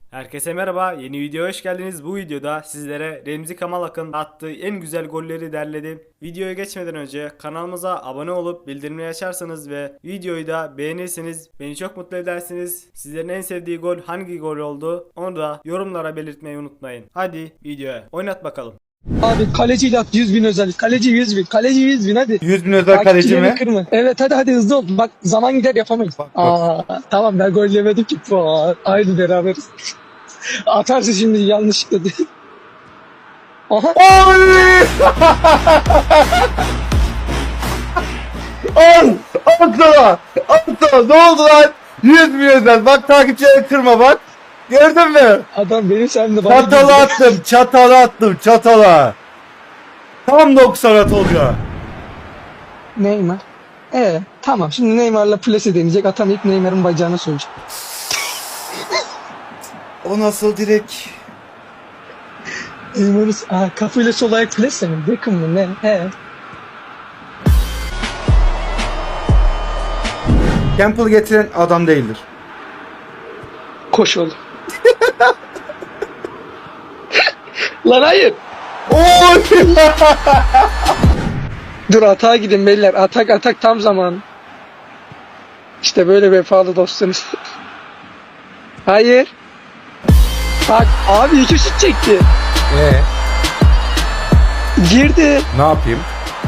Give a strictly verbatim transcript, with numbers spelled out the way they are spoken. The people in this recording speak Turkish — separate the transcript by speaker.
Speaker 1: Herkese merhaba, yeni videoya hoş geldiniz. Bu videoda sizlere Remzi Kamal Akın attığı en güzel golleri derledim. Videoya geçmeden önce kanalımıza abone olup bildirimleri açarsanız ve videoyu da beğenirseniz beni çok mutlu edersiniz. Sizlerin en sevdiği gol hangi gol oldu onu da yorumlara belirtmeyi unutmayın. Hadi videoya oynat bakalım.
Speaker 2: Abi kaleciyle at yüz bin özel. Kaleci yüz bin. Kaleci yüz bin hadi.
Speaker 3: yüz bin özel kaleci mi?
Speaker 2: Kırma. Evet hadi hadi hızlı ol. Bak zaman gider yapamayız.
Speaker 3: Bak, bak.
Speaker 2: Aa, tamam ben gol yemedim ki. Puan. Aynı beraberiz. Atarsın şimdi yanlışlıkla değil. Aha.
Speaker 3: Oy! Al! Al sana! Al sana! Ne oldu lan? yüz bin özel. Bak takipçileri kırma bak. Gördün mü?
Speaker 2: Adam benim sen de bana
Speaker 3: Çatala
Speaker 2: girdi.
Speaker 3: attım. Çatala attım. Çatala. Tam doksan at oluyor.
Speaker 2: Neymar. Ee tamam şimdi Neymar'la plase deneyecek. Atamayıp Neymar'ın bacağına sövecek.
Speaker 3: O nasıl direk?
Speaker 2: Neymar'ın aa, kafayla sol ayak plase mi? Beckham mı ne? He.
Speaker 3: Campbell getiren adam değildir.
Speaker 2: Koş oğlum. Lan hayır.
Speaker 3: Oy!
Speaker 2: Dur atağa gidin beyler. Atak atak tam zaman. İşte böyle vefalı dostunuz. Hayır. Bak abi iki şut çekti.
Speaker 3: Ee,
Speaker 2: Girdi.
Speaker 3: ne yapayım?